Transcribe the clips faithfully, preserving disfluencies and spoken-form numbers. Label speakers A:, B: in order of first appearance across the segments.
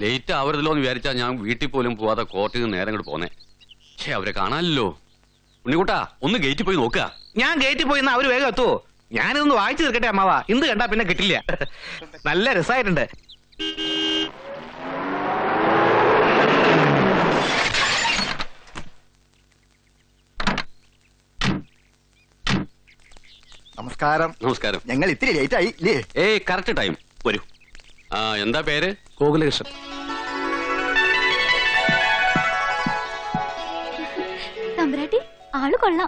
A: Late ആവരുതല്ലോ എന്ന് വിചാരിച്ചാ ഞാൻ വീട്ടിൽ പോലും പോവാതെ കോർട്ടിൽ നിന്ന് നേരം ഇങ്ങോട്ട് പോന്നെ. പക്ഷേ അവരെ കാണാനല്ലോ. ഉണ്ണിക്കുട്ടാ ഒന്ന് ഗേറ്റിൽ പോയി നോക്കുക.
B: ഞാൻ ഗേറ്റിൽ പോയി അവര് വേഗം എത്തുവോ? ഞാനിതൊന്ന് വായിച്ചു തീർക്കട്ടെ അമ്മാവാ. ഇന്ന് കണ്ടാ പിന്നെ കിട്ടില്ല. നല്ല രസമായിട്ടുണ്ട്.
C: നമസ്കാരം.
A: നമസ്കാരം.
C: ഞങ്ങൾ ഇത്തിരി ലേറ്റ് ആയി ഇല്ലേ?
A: ഏയ് കറക്റ്റ് ടൈം. വരൂ. ആ എന്താ പേര്?
B: ഗോകുലകൃഷ്ണൻ.
D: തമ്പുരാട്ടി ആള് കൊള്ളാം.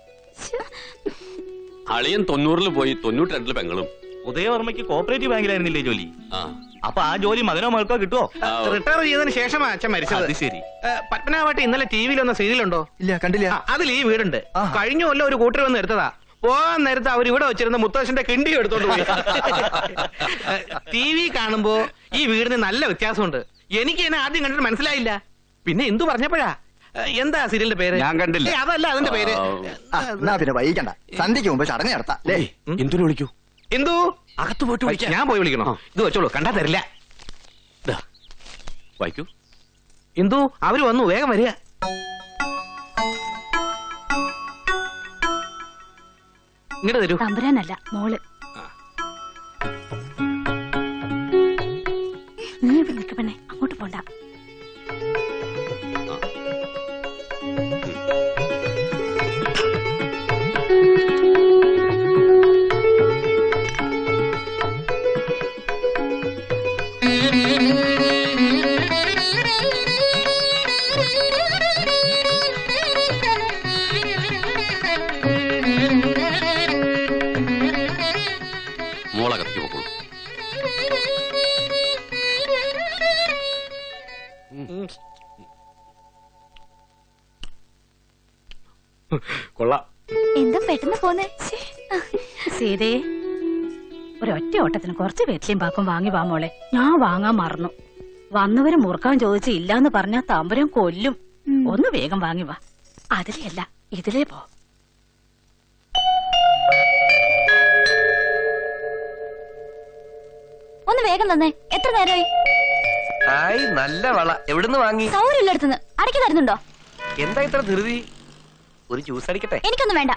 A: അളിയൻ തൊണ്ണൂറിൽ പോയി തൊണ്ണൂറ്റി രണ്ടില് പെങ്ങളും.
E: ഉദയവർമ്മയ്ക്ക് കോപ്പറേറ്റീവ് ബാങ്കിലായിരുന്നില്ലേ ജോലി?
A: ആ
E: അപ്പൊ ആ ജോലി മകനോ മകൾക്കോ കിട്ടുവോ?
B: റിട്ടയർ ചെയ്തതിന് ശേഷമാ അച്ഛൻ മരിച്ചത്.
E: അത് ശരി.
B: പത്മനാഭട്ടി ഇന്നലെ ടി വിയിൽ വന്ന സീരിയലുണ്ടോ?
C: ഇല്ല, കണ്ടില്ല.
B: അതിൽ ഈ വീടുണ്ട്. കഴിഞ്ഞ കൊല്ലം ഒരു കൂട്ടർ വന്ന് എടുത്തതാ. പോകാൻ നേരത്തെ അവർ ഇവിടെ വെച്ചിരുന്ന മുത്തശ്ശന്റെ കിണ്ടി എടുത്തോണ്ട് പോയി. ടി വി കാണുമ്പോ ഈ വീടിന് നല്ല വ്യത്യാസമുണ്ട്. എനിക്ക് എന്നെ ആദ്യം കണ്ടിട്ട് മനസ്സിലായില്ല. പിന്നെ എന്തു പറഞ്ഞപ്പോഴാ? എന്താ സീരിയലിന്റെ പേര്?
A: ഞാൻ കണ്ടില്ല.
B: അതല്ല അതിന്റെ പേര്.
C: എന്നാ പിന്നെ വൈകിക്കണ്ട, സന്ധ്യക്ക് മുമ്പ് ചടങ്ങ് നടത്താം.
A: എന്തിനു വിളിക്കൂ?
B: എന്തു
A: അകത്ത് പോയിട്ട് വിളിക്കാം.
B: ഞാൻ പോയി വിളിക്കണോ? ഇത് വെച്ചോളൂ, കണ്ടാ തരില്ല.
A: വായിക്കൂ.
B: എന്തു അവര് വന്നു, വേഗം വരിക. ഇങ്ങോട്ട് തരൂ.
D: തമ്പുരാനല്ല മോള്. നീ ഇവിടെ നിൽക്ക പെണ്ണെ, അങ്ങോട്ട് പോണ്ട.
A: മോളകത്തേക്ക് പോക്കോളൂ.
B: കൊള്ളാം.
D: എന്താ പെട്ടെന്ന് പോന്നേ? സീതേ, ഒരൊറ്റ ഓട്ടത്തിന് കുറച്ച് വെറ്റിലും പാക്കും വാങ്ങി വാ മോളെ. ഞാൻ വാങ്ങാൻ മറന്നു. വന്നവര് മുറുക്കാൻ ചോദിച്ച് ഇല്ലാന്ന് പറഞ്ഞാ തമ്പുരാൻ കൊല്ലും. ഒന്ന് വേഗം വാങ്ങി വാ. അതിലേ അല്ല, ഇതിലേ പോ. ഒന്ന് വേഗം തന്നെ. എത്ര നേരമായി?
F: ഹായ്, നല്ല വള. എവിടുന്ന് വാങ്ങി?
D: സൗകര്യമില്ലടുത്തുനിന്ന്. അടക്കി തരുന്നുണ്ടോ?
F: എന്താ ഇത്ര ധൃതി? ഒരു ജ്യൂസ് അടിക്കട്ടെ?
D: എനിക്കൊന്നും വേണ്ട.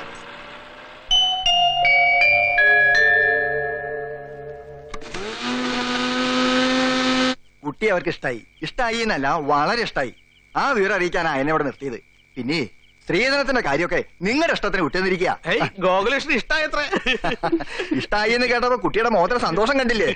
C: കുട്ടി അവർക്ക് ഇഷ്ടായി. ഇഷ്ടായി എന്നല്ല, വളരെ ഇഷ്ടായി. ആ വിവരം അറിയിക്കാനാ എന്നെ ഇവിടെ നിർത്തിയത്. പിന്നെ സ്ത്രീധനത്തിന്റെ കാര്യമൊക്കെ നിങ്ങളുടെ ഇഷ്ടത്തിന് വിട്ടുന്നിരിക്കുക.
B: ഗോകുലകൃഷ്ണൻ ഇഷ്ടായത്ര.
C: ഇഷ്ടായി എന്ന് കേട്ടപ്പോ കുട്ടിയുടെ മുഖത്തിന് സന്തോഷം കണ്ടില്ലേ?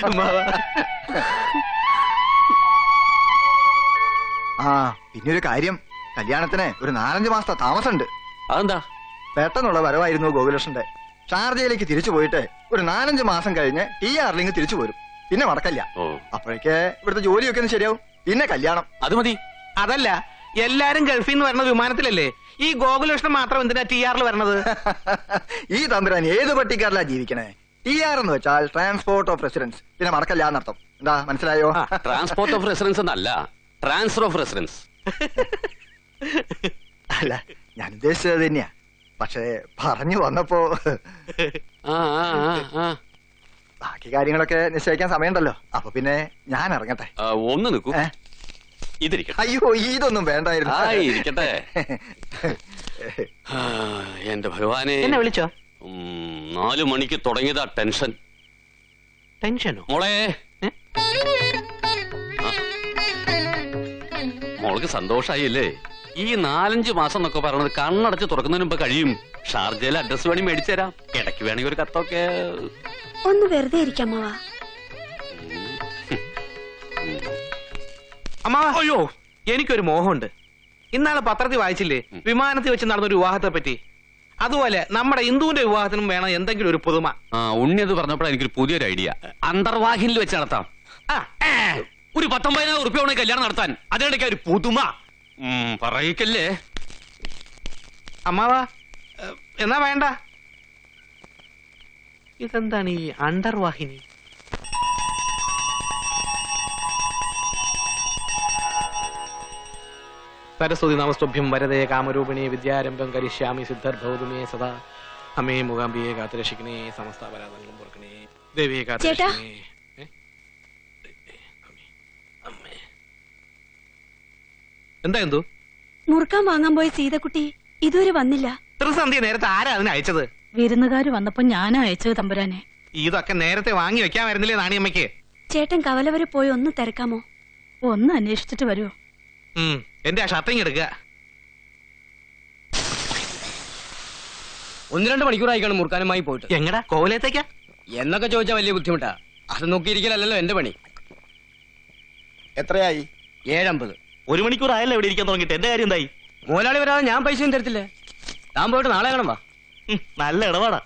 C: ആ പിന്നെ ഒരു കാര്യം, കല്യാണത്തിന് ഒരു നാലഞ്ച് മാസത്തെ താമസമുണ്ട്.
A: അതെന്താ?
C: പെട്ടെന്നുള്ള വരവായിരുന്നു ഗോകുലകൃഷ്ണന്റെ. ഷാർജയിലേക്ക് തിരിച്ചു പോയിട്ട് ഒരു നാലഞ്ച് മാസം കഴിഞ്ഞ് ടി ആറിലേക്ക് തിരിച്ചു പോരും. പിന്നെ മടക്കല്ല. അപ്പോഴേക്ക് ഇവിടുത്തെ ജോലിയൊക്കെ ഒന്ന് ശരിയാവും. പിന്നെ കല്യാണം.
A: അത് മതി.
B: അതല്ല, എല്ലാരും ഗൾഫിൽ നിന്ന് വരുന്ന വിമാനത്തിലല്ലേ? ഈ ഗോകുലകൃഷ്ണൻ മാത്രം എന്തിനാ ടി ആറിൽ വരണത്?
C: ഈ തമ്പുരാൻ ഏത് പട്ടിക്കാരിലാ ജീവിക്കണേ? ടി ആർ എന്ന് വെച്ചാൽ ട്രാൻസ്പോർട്ട് ഓഫ് റെസിഡൻസ്. പിന്നെ മടക്കല്ല എന്നർത്ഥം. എന്താ മനസ്സിലായോ?
A: ട്രാൻസ്പോർട്ട് ഓഫ് റെസിഡൻസ് എന്നല്ല, ട്രാൻസ്ഫർ ഓഫ് റെസിഡൻസ്.
C: അല്ല, ഞാൻ ഉദ്ദേശിച്ചത് തന്നെയാ. പക്ഷേ പറഞ്ഞു വന്നപ്പോ ബാക്കി കാര്യങ്ങളൊക്കെ നിശ്ചയിക്കാൻ സമയമുണ്ടല്ലോ. അപ്പൊ പിന്നെ ഞാൻ ഇറങ്ങട്ടെ.
A: ഒന്ന് നിൽക്കൂ. ഇതിരിക്കട്ടെ.
C: അയ്യോ, ഇതൊന്നും വേണ്ടായിരുന്നു.
A: ഇരിക്കട്ടെ. എന്റെ ഭഗവാനെ,
B: എന്നെ വിളിച്ചോ?
A: നാലു മണിക്ക് തുടങ്ങിയതാ ടെൻഷൻ.
B: ടെൻഷനോ?
A: മോളെ, മോൾക്ക് സന്തോഷായില്ലേ? ഈ നാലഞ്ച് മാസം എന്നൊക്കെ പറയണത് കണ്ണടച്ച് തുറക്കുന്നതിന് മുമ്പ് കഴിയും. ഷാർജയിലെ അഡ്രസ് വേണി മേടിച്ചു തരാം. ഇടയ്ക്ക് വേണമെങ്കിൽ ഒരു കത്തൊക്കെ.
D: ഒന്ന് വെറുതെ ഇരിക്കാം അമ്മാവാ.
B: അമ്മാവാ, അയ്യോ, എനിക്കൊരു മോഹമുണ്ട്. ഇന്നാളെ പത്രത്തിൽ വായിച്ചില്ലേ വിമാനത്തിൽ വെച്ച് നടന്നൊരു വിവാഹത്തെ പറ്റി? അതുപോലെ നമ്മുടെ ഹിന്ദുവിന്റെ വിവാഹത്തിനും വേണം എന്തെങ്കിലും ഒരു പുതുമ.
A: ആ ഉണ്ണി അത് പറഞ്ഞപ്പോഴാണ് എനിക്കൊരു പുതിയൊരു ഐഡിയ. അന്തർവാഹിനിൽ വെച്ച് നടത്താം. ഒരു പത്തൊമ്പതിനായിരം ഉറുപ്പ്യ വേണമെങ്കിൽ കല്യാണം നടത്താൻ. അതിനിടയ്ക്ക് ഒരു പുതുമ പറയിക്കല്ലേ
B: അമ്മാവാ? എന്നാ വേണ്ട. ഇതെന്താണ് ഈ അന്തർവാഹിനി? സരസ്വതി നമസ്തുഭ്യം വരദേ കാമരൂപിണി വിദ്യാരംഭം കരിഷ്യാമി സിദ്ധർഭവതുമേ സദാ. അമ്മേ മൂകാംബിയെ കാത്തുരക്ഷിക്കണേ, സമസ്ത പരാതങ്ങളും പൊറുക്കണേ, ദേവിയെ കാത്തുരക്ഷിക്കണേ. എന്താ എന്തോ
G: മുറുക്കാൻ വാങ്ങാൻ പോയ സീതക്കുട്ടി ഇതുവരെ വന്നില്ല.
B: ത്രിസന്ധ്യ നേരത്തെ ആരാ അതിന് അയച്ചത്?
D: വിരുന്നുകാര് വന്നപ്പോ ഞാനാ അയച്ചത് തമ്പുരാനെ.
B: ഇതൊക്കെ നേരത്തെ വാങ്ങി വെക്കാമായിരുന്നില്ലേ നാണിയമ്മയ്ക്ക്?
G: ചേട്ടൻ കവല വരെ പോയി ഒന്ന് തിരക്കാമോ?
D: ഒന്ന് അന്വേഷിച്ചിട്ട് വരുമോ?
B: ഉം എന്റെ ആ ഷർട്ടിങ് എടുക്കുക.
F: ഒന്ന് രണ്ട് മണിക്കൂറായിക്കാണ് മുറുക്കാനുമായി പോയിട്ട്.
B: എങ്ങടാ കോവിലത്തേക്കാ
F: എന്നൊക്കെ ചോദിച്ചാൽ വലിയ ബുദ്ധിമുട്ടാ. അത് നോക്കിയിരിക്കലല്ലോ എന്റെ പണി.
C: എത്രയായി?
F: ഏഴമ്പത്.
E: ഒരു മണിക്കൂർ ആയല്ലോ ഇവിടെ ഇരിക്കാൻ തുടങ്ങിയിട്ട്. എന്റെ കാര്യം എന്തായി?
F: മുതലാളി വരാതെ ഞാൻ പൈസയും തരത്തില്ലേ. താൻ പോയിട്ട് നാളെ കാണാം വാ.
E: ഉം, നല്ല ഇടപാടാ.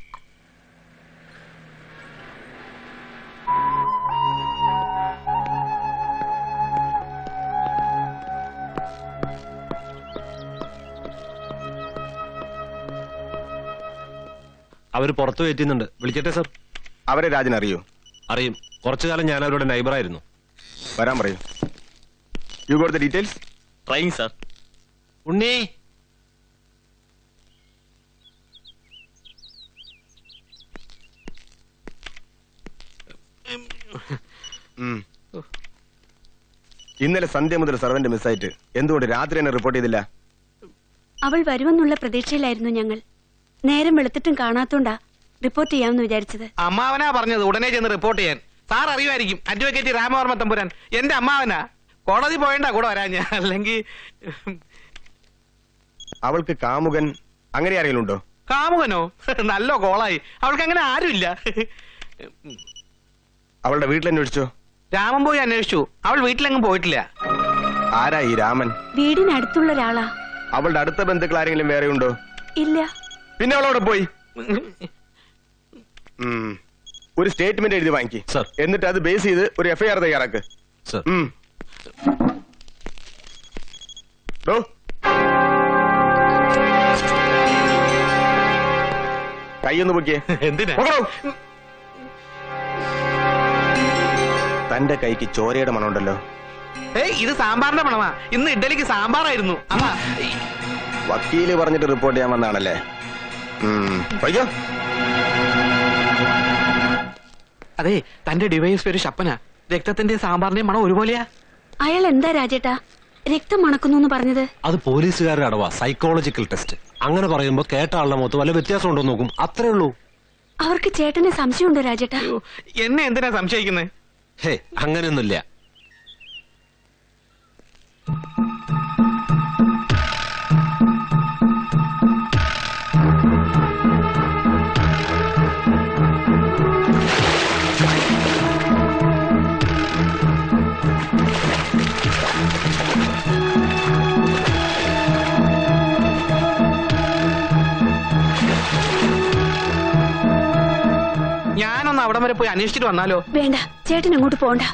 H: അവര് പുറത്തു കയറ്റുന്നുണ്ട്. വിളിക്കട്ടെ സർ?
C: അവരെ രാജൻ അറിയോ?
H: അറിയും. കുറച്ചു കാലം ഞാൻ അവരുടെ നൈബറായിരുന്നു.
C: വരാൻ പറയൂ. You got the details?
E: Trying sir.
H: Unni,
C: ഇന്നലെ സന്ധ്യ മുതൽ സർവന്റ് മിസ്സായിട്ട് എന്തുകൊണ്ട് രാത്രി തന്നെ റിപ്പോർട്ട് ചെയ്തില്ല?
G: അവൾ വരുമെന്നുള്ള പ്രതീക്ഷയിലായിരുന്നു ഞങ്ങൾ. നേരം വെളുത്തിട്ടും കാണാത്തോണ്ടാ റിപ്പോർട്ട് ചെയ്യാമെന്ന് വിചാരിച്ചത്.
B: അമ്മാവനാ പറഞ്ഞത് ഉടനെ ചെന്ന് റിപ്പോർട്ട് ചെയ്യാൻ. സാർ അറിയുമായിരിക്കും, അഡ്വക്കേറ്റ് രാമവർമ്മ തമ്പുരാൻ എന്റെ അമ്മാവനാ. കോടതി പോയണ്ട കൂടെ വരാൻ ഞാൻ. അല്ലെങ്കിൽ
C: അവൾക്ക് കാമുകൻ അങ്ങനെ ആരെങ്കിലും ഉണ്ടോ?
B: കാമുകനോ? നല്ല കോളായി. അവൾക്ക് അങ്ങനെ ആരുമില്ല.
C: അവളുടെ വീട്ടിൽ അന്വേഷിച്ചോ?
B: രാമൻ പോയി അന്വേഷിച്ചു. അവൾ വീട്ടിലെങ്ങും പോയിട്ടില്ല.
C: ആരാ ഈ രാമൻ?
G: വീടിനടുത്തുള്ള ഒരാളാ.
C: അവളുടെ അടുത്ത ബന്ധുക്കൾ ആരെങ്കിലും വേറെ ഉണ്ടോ?
G: ഇല്ല.
C: പിന്നെ അവളവിടെ പോയി ഉം. ഒരു സ്റ്റേറ്റ്മെന്റ് എഴുതി വാങ്ങിക്കി
H: സർ.
C: എന്നിട്ട് അത് ബേസ് ചെയ്ത് ഒരു എഫ്ഐആർ തയ്യാറാക്ക്.
H: സർ.
C: ഉം. ഡോ. കൈയൊന്ന് പൊക്കിയേ.
B: എന്തിനാ?
C: പൊക്കടോ. തന്റെ കൈക്ക് ചോരയുടെ മണമുണ്ടല്ലോ.
B: ഏയ് ഇത് സാമ്പാറിന്റെ മണമാ. ഇന്ന് ഇഡ്ഡലിക്ക് സാമ്പാറായിരുന്നു. അമ്മ
C: വക്കീല് പറഞ്ഞിട്ട് റിപ്പോർട്ട് ചെയ്യാൻ വന്നാണല്ലേ? വയ്യോ.
B: അതെ, തന്റെ ഡിവൈസ് ഒരു ശപ്പനാ. രക്തത്തിന്റെ സാമ്പാറിന്റെ മണം ഒരുപോലെയാ.
G: അയാൾ എന്താ രാജേട്ടാ രക്തം മണക്കുന്നു പറഞ്ഞത്?
H: അത് പോലീസുകാരുടെ അടവാ. Psychological test. അങ്ങനെ പറയുമ്പോ കേട്ട ആളുടെ മുഖത്ത് വല്ല വ്യത്യാസം ഉണ്ടോ നോക്കും. അത്രേ ഉള്ളൂ.
G: അവർക്ക് ചേട്ടനെ സംശയമുണ്ടോ രാജേട്ടാ?
B: അയ്യോ, എന്നെ എന്തിനാ സംശയിക്കുന്നത്?
H: ഹേ, അങ്ങനെയൊന്നുമില്ല.
B: ഞാനൊന്ന് അവിടം വരെ പോയി അന്വേഷിച്ചിട്ട് വന്നാലോ?
G: വേണ്ട, ചേട്ടൻ അങ്ങോട്ട് പോണ്ട.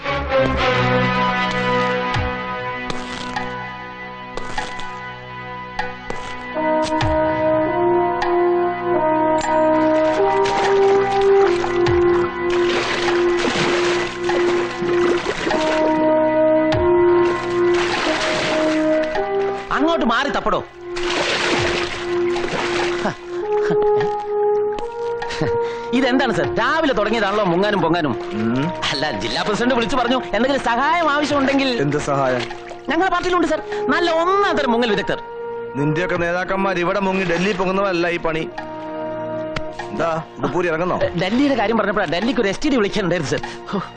F: അങ്ങോട്ട് മാറി തപ്പടോ. ഇതെന്താണ് സർ, രാവിലെ തുടങ്ങിയതാണല്ലോ മുങ്ങാനും പൊങ്ങാനും? അല്ല, ജില്ലാ പ്രസിഡന്റ് വിളിച്ചു പറഞ്ഞു എന്തെങ്കിലും സഹായം ആവശ്യമുണ്ടെങ്കിൽ.
C: എന്ത് സഹായം?
F: ഞങ്ങളുടെ പാർട്ടിയിലുണ്ട് സർ നല്ല ഒന്നാം തരം മുങ്ങൽ വിദഗ്ധർ.
C: നിന്റെയൊക്കെ നേതാക്കന്മാർ ഇവിടെ മുങ്ങി ഡൽഹി പോകുന്നവരല്ല ഈ പണി. എന്താ ഉടുപ്പൂരി ഇറങ്ങുന്നോ?
F: ഡൽഹിയുടെ കാര്യം പറഞ്ഞപ്പോഴാണ് ഡൽഹിക്ക് ഒരു എസ് ടി ഡി വിളിക്കാനുണ്ടായിരുന്നു സർ.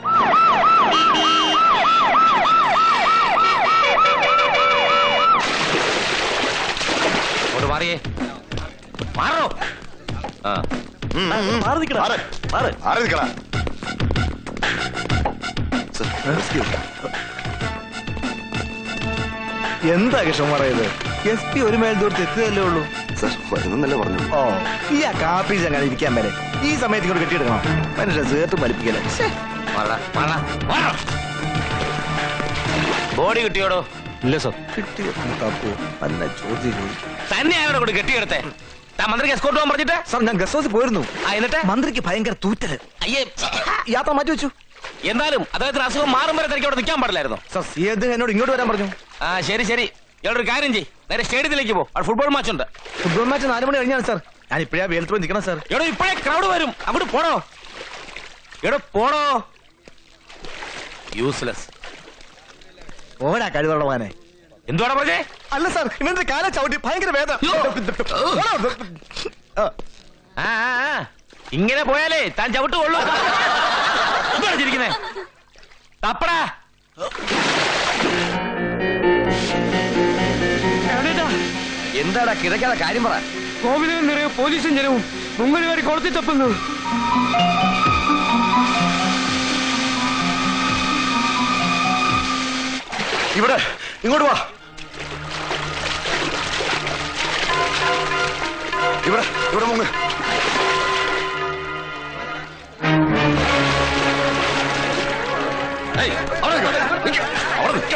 F: മാറിയേ മാറോ.
C: എന്താ കൃഷ്ണൻ പറയുന്നത്? എസ് പി ഒരു മേൽ ദൂരത്ത് എത്തുകയല്ലേ ഉള്ളൂ. വരുന്നല്ലേ പറഞ്ഞു. ഓ, ഈ ആ കാപ്പി ചങ്ങനെ ഇരിക്കാൻ വരെ ഈ സമയത്ത് ഇങ്ങോട്ട് കെട്ടിയെടുക്കണം. മനുഷ്യ സേർത്ത് വലിപ്പിക്കല.
F: ബോഡി കിട്ടിയോടോ?
H: ഇല്ല സർ.
C: കിട്ടിയോ? തപ്പു നല്ല ചോദ്യം.
F: തന്നെ ആരോടെ കൂടെ കെട്ടിയെടുത്തേ? മന്ത്രിക്ക് എസ്കോർട്ട് പോകാൻ പറഞ്ഞിട്ട്
C: സാർ ഞാൻ ഗസ്റ്റ് ഹൗസിൽ പോയിരുന്നു.
F: എന്നിട്ട്
C: മന്ത്രിക്ക് ഭയങ്കര തൂറ്റല്.
F: അയ്യേ,
C: യാത്ര മാറ്റി വെച്ചു.
F: എന്തായാലും അദ്ദേഹത്തിന് അസുഖം മാറും വരെ തിരക്ക് അവിടെ നിൽക്കാൻ പാടില്ലായിരുന്നു.
C: സാർ സി എന്നോട് ഇങ്ങോട്ട് വരാൻ പറഞ്ഞു.
F: ആ ശരി ശരി, ഇയാളൊരു കാര്യം ചെയ്യ്, നേരെ സ്റ്റേഡിയത്തിലേക്ക് പോ. അവിടെ ഫുട്ബോൾ മാച്ച് ഉണ്ട്.
C: ഫുട്ബോൾ മാച്ച് നാല് മണി കഴിഞ്ഞാണ് സാർ. ഞാൻ ഇപ്പഴാ വെയിലത്ത് പോയി നിൽക്കണം സാർ.
F: എടോ ഇപ്പോഴേ ക്രൗഡ് വരും, അങ്ങോട്ട് പോടോ. എടോ പോടോ. യൂസ്ലെസ്.
C: ഓടാ കഴിവുള്ളവാനെ.
F: എന്തുവാടാ പറഞ്ഞേ?
C: അല്ല സാർ ഇവന്റെ കാല ചവിട്ടി ഭയങ്കര വേദന.
F: ആ, ആ, ആ. ഇങ്ങനെ പോയാലേ താൻ ചവിട്ട് കൊള്ളൂ. എന്താണ് ചിരിക്കുന്നേ? തപ്പടാ.
C: എന്താടാ കിടക്കാതെ കാര്യം പറ.
B: കോവിലും നിറയെ പോലീസും ജനവും മുങ്ങലുകാരി കൊളത്തി തപ്പുന്നു.
C: ഇവിടെ ഇങ്ങോട്ട് വാ. ഇവിടെ ഇവിടെ മുങ്ങ്.
F: ഏയ്, അവിടെ നിൽക്ക്, നിൽക്ക്, അവിടെ നിൽക്ക്.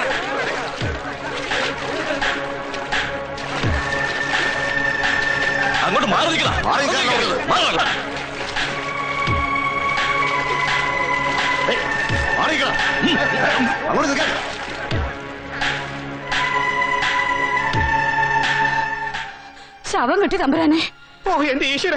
F: അങ്ങോട്ട് മാറി നിൽക്കണം.
C: മാറി നിൽക്കാൻ നോക്കരുത്.
F: മാറി നിൽക്കണം.
C: ഏയ്, മാറി നിൽക്കണം. അങ്ങോട്ട് നിൽക്കാൻ.
D: ശവം കിട്ടി തമ്പുരാനെ.
B: ഓ എന്റെ ഈശ്വര.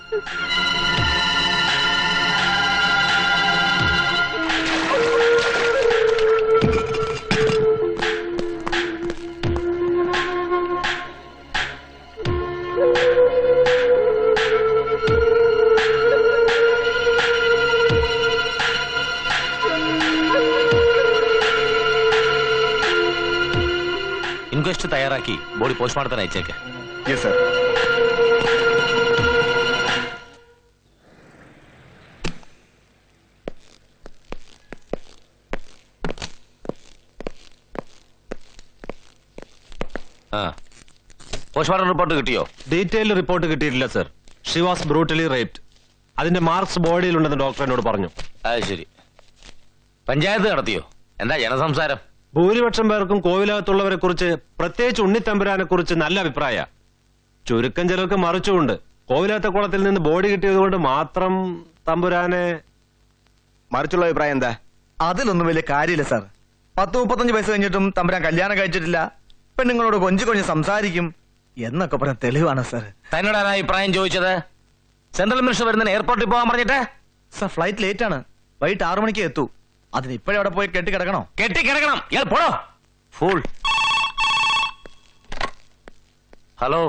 F: ഇൻക്വസ്റ്റ് തയ്യാറാക്കി ബോഡി പോസ്റ്റ്മോർട്ടത്തിന് അയച്ചേക്ക്.
C: Yes sir.
F: ആ, പോസ്റ്റ്മോർട്ടം റിപ്പോർട്ട് കിട്ടിയോ?
H: ഡീറ്റെയിൽ റിപ്പോർട്ട് കിട്ടിയിട്ടില്ല sir. She was brutally raped. അതിന്റെ മാർക്സ് ബോഡിയിലുണ്ടെന്ന് ഡോക്ടർ എന്നോട് പറഞ്ഞു.
F: അത് ശരി. പഞ്ചായത്ത് നടത്തിയോ? എന്താ ജനസംസാരം?
H: ഭൂരിപക്ഷം പേർക്കും കോവിലകത്തുള്ളവരെ കുറിച്ച്, പ്രത്യേകിച്ച് ഉണ്ണിത്തമ്പുരാനെ കുറിച്ച് നല്ല അഭിപ്രായ. ചുരുക്കം ചിലർക്ക് മറിച്ചുകൊണ്ട് കോവിലകത്തെ കുളത്തിൽ നിന്ന് ബോഡി കിട്ടിയത് കൊണ്ട് മാത്രം തമ്പുരാനെ.
C: മറിച്ചുള്ള അഭിപ്രായം എന്താ? അതിലൊന്നും വലിയ കാര്യമില്ല സാർ. പത്ത് മുപ്പത്തഞ്ച് വയസ്സ് കഴിഞ്ഞിട്ടും തമ്പുരാൻ കല്യാണം കഴിച്ചിട്ടില്ല, പെണ്ണുങ്ങളോട് കൊഞ്ചു കൊഞ്ച് സംസാരിക്കും എന്നൊക്കെ പറഞ്ഞ തെളിവാണ് സാർ.
F: തന്നോടാണ് അഭിപ്രായം ചോദിച്ചത്? സെൻട്രൽ മിനിസ്റ്റർ വരുന്നതിന് എയർപോർട്ടിൽ പോകാൻ പറഞ്ഞിട്ട്?
C: സാർ ഫ്ലൈറ്റ് ലേറ്റ് ആണ്, വൈകിട്ട് ആറു മണിക്ക് എത്തൂ. അതിന് ഇപ്പോഴും അവിടെ പോയി കെട്ടി കിടക്കണോ?
F: കെട്ടി കിടക്കണം. ഇയാൾ പോടോ ഫൂൾ. ഹലോ.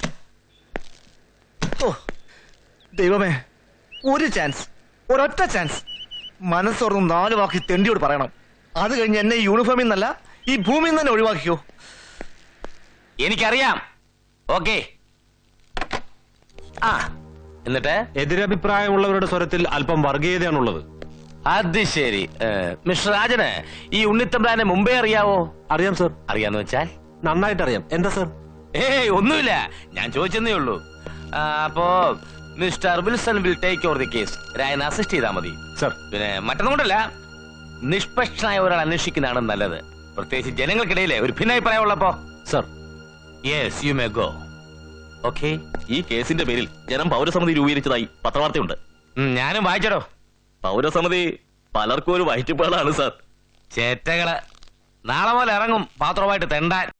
C: ഓ ദൈവമേ, ഒരു ചാൻസ്, ഒരൊറ്റ ചാൻസ്. മനസ്സോർന്നും നാല് വാക്കി തെണ്ടിയോട് പറയണം. അത് കഴിഞ്ഞ് എന്നെ ഈ യൂണിഫോമിൽ നിന്നല്ല ഈ ഭൂമിയിൽ നിന്ന് തന്നെ ഒഴിവാക്കിയോ.
F: എനിക്കറിയാം. ഓക്കെ. ആ, എന്നിട്ട്
H: എതിരഭിപ്രായമുള്ളവരുടെ സ്വരത്തിൽ അല്പം വർഗീയതയാണുള്ളത്.
F: അത് ശരി. മിസ്റ്റർ രാജന് ഈ ഉണ്ണിത്തമ്പ്രാനെ മുമ്പേ അറിയാവോ?
H: അറിയാം സർ.
F: അറിയാന്ന് വെച്ചാൽ?
H: നന്നായിട്ട് അറിയാം. എന്താ സർ?
F: ഏയ് ഒന്നുമില്ല, ഞാൻ ചോദിച്ചെന്നേ ഉള്ളൂ. ആ, അപ്പോ Mr Wilson will take over the case. Rayan assist ചെയ്താൽ മതി
H: സർ.
F: പിന്നെ മറ്റൊന്നും കൊണ്ടല്ല, നിഷ്പക്ഷനായ ഒരാൾ അന്വേഷിക്കുന്നതാണ് നല്ലത്, പ്രത്യേകിച്ച് ജനങ്ങൾക്കിടയിലെ ഒരു ഭിന്നാഭിപ്രായം ഉള്ളപ്പോ.
H: Sir.
F: Yes, you may go. Okay.
E: ഈ കേസിന്റെ പേരിൽ ജനം പൗരസമിതി രൂപീകരിച്ചതായി പത്രവാർത്തയുണ്ട്.
F: ഞാനും വായിച്ചടോ.
E: പൗരസമിതി പലർക്കും ഒരു വയറ്റുപാടാണ് സാർ.
F: ചേറ്റകള് നാളെ പോലെ ഇറങ്ങും പാത്രമായിട്ട് തെണ്ടാൻ.